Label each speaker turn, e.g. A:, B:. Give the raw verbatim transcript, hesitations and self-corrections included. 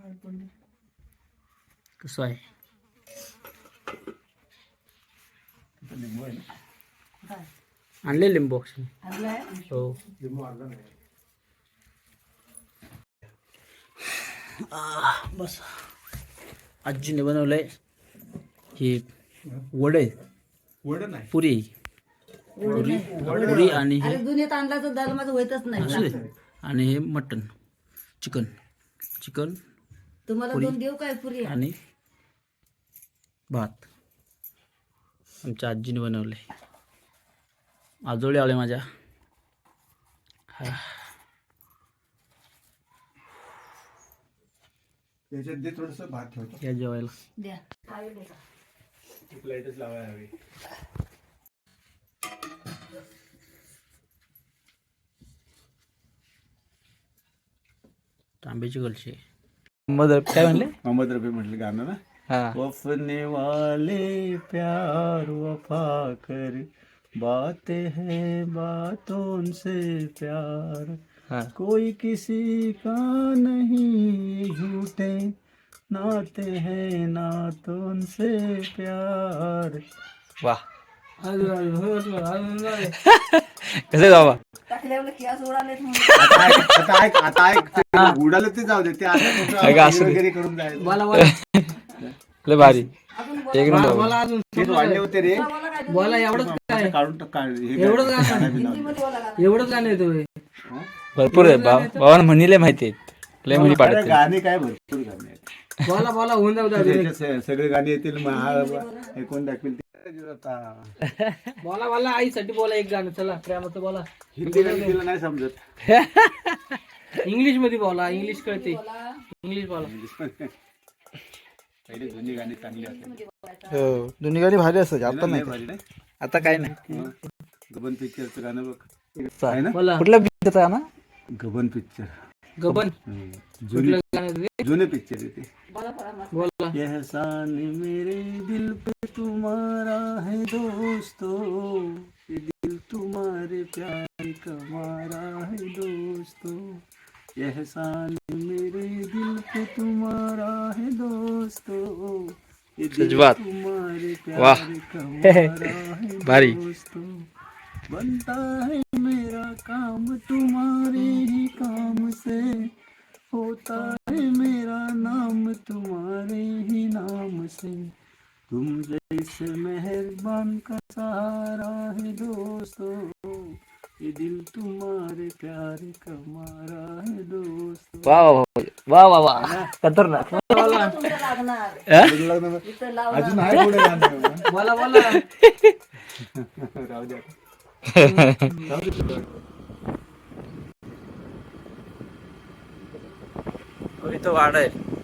A: कसं आहे आणले लिंबू हो बस आजीने बनवलंय हे वडे
B: वडे नाही
A: पुरी पुरी पुरी आणि हे
C: दुनियेत आणला तर दाल माझं होतच नाही
A: असू दे. आणि हे मटन चिकन चिकन
C: तुम्हाला दोन देऊ काय पुरी
A: आणि भात आमच्या आजीने बनवले आजोळे आले माझ्या
B: त्याच्यात दे थोडस भात ठेवतो
A: या जेवायला
C: द्या
B: प्लेटच लावायला हवी
A: तांब्याची कलशी मदर काय म्हणले
B: मोहम्मद रफी म्हटलं गाणं ना
A: हा
B: वफने वाले प्यार वफा कर बातें हैं बातों से प्यार
A: हा
B: कोई किसी का नहीं झूठे नाते हैं नातों से प्यार
A: वाह कसं गावा
C: टाकल्यावर केस उडालेत म्हणून
B: आता ऐक आता ऐक आता ऐक ते उडालं ते जाऊ दे ते आता कुठं
A: अगं, असू दे.
B: वगैरे करून जायचं
A: बोला बोला लय भारी एक नंबर
D: मला अजून
B: तेच वाढले होते रे
D: बोला एवढंच काय
B: काढून टाक काढ हे
D: एवढंच
B: काय-
D: गाणं?
B: गाणं बिणं.
D: एवढंच गाणं येतो हे.
A: भरपूर आहे भाव भावानं म्हणले माहिती आहेत लय म्हणी
B: अरे
A: पाडत
B: गाणे काय भरपूर गाणे आहेत.
D: बोला बोला होऊन जाऊ द्या अजून एक.
B: त्याच्यात स- सगळे गाणे येतील मग हा ऐकून दाखवेल ते आता
D: बोला बोला आईसाठी बोला एक गाणं चला प्रेमाचं बोला
B: हिंदी गाणी तिला नाही समजत
D: इंग्लिश मध्ये बोला इंग्लिश कळते इंग्लिश बोला
B: पहिले जुनी गाणी चांगली असतात
A: हो दोन्ही गाडी भारी असत आता
B: लय
A: नाही
B: भारी नाही
A: आता काय नाही
B: गबन पिक्चरचं गाणं बघ आहे ना
D: बोला
A: कुठला पिक्चर आहे ना
B: गबन पिक्चर
D: गबन
B: जुनी
D: कुठलं गाणं आहे ते?
B: जुने पिक्चर आहे ते
D: बोला
B: एहसान मेरे दिल पे तुम्हारा है दोस्तों ये दिल तुम्हारे प्यार का मारा है दोस्तों एहसान मेरे दिल पे तुम्हारा है दोस्तों ये दिल
A: सजवात.
B: तुम्हारे
A: वाह.
B: प्यार का मारा है
A: भारी.
B: दोस्तों बनता है मेरा काम तुम्हारे ही काम से होता है मेरा नाम तुम्हारे ही नाम से तुम जैसे मेहरबान का सहारा है दोस्तों ये दिल तुम्हारे प्यार का मारा है दोस्तों
A: वा वा वा वा वा खतरनाक
C: तुमचं लागणार
A: हा?
C: इथं लावणार
B: अजून आहे पुढे गाणं.
D: बोला बोला
B: राहू द्या
A: इथं वाढ आहे